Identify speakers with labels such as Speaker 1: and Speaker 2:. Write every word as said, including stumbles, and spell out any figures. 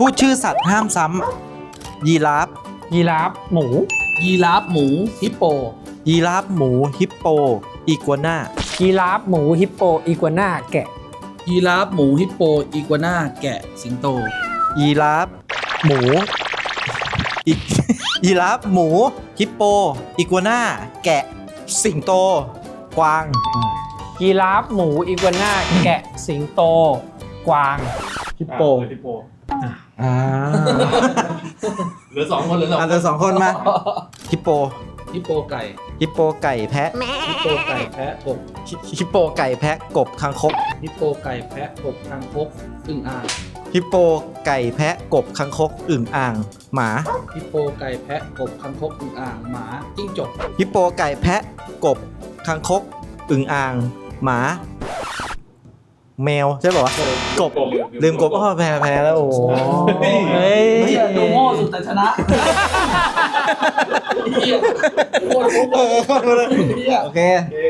Speaker 1: พูดชื่อสัตว์ห้ามซ้ำยีราฟ
Speaker 2: ยีราฟหมู
Speaker 3: ยีราฟหมูฮิปโป
Speaker 1: ยีราฟหมูฮิปโปอีกัวน่า
Speaker 2: ยีราฟหมูฮิปโปอีกัวน่าแกะ
Speaker 3: ยีราฟหมูฮิปโปอีกัวน่าแกะสิงโต
Speaker 1: ยีราฟหมูอียีราฟหมูฮิปโปอีกัวน่าแกะสิงโตกวาง
Speaker 2: ยีราฟหมูอีกัวน่าแกะสิงโตกวาง
Speaker 1: ฮิปโป
Speaker 4: ฮิปโป
Speaker 1: อ่า
Speaker 4: เหลือสองคนเหลือสอง
Speaker 1: อันเดอร์สองคนมาฮิปโป
Speaker 3: ฮิปโปไก่
Speaker 1: ฮิปโปไก่แพะ
Speaker 3: ฮิปโปไก่แพะกบ
Speaker 1: ฮิฮิปโปไก่แพะกบคางคก
Speaker 3: ฮิปโปไก่แพะกบคางคกอึ่งอ่าง
Speaker 1: ฮิปโปไก่แพะกบคางคกอึ่งอ่าง หมา
Speaker 3: ฮิปโปไก่แพะกบคางคกอึ่งอ่างหมาจิ้งจก
Speaker 1: ฮิปโปไก่แพะกบคางคกอึ่งอ่าง หมา แมวใช่ป่าวะกบลืมกบอ้อแพ้แพ้แล้วโอ้โหเฮ้ย
Speaker 3: เฮ้ยดูโง่สุดแต่ชนะเหี้ยโคตรโง่
Speaker 1: เออโอเค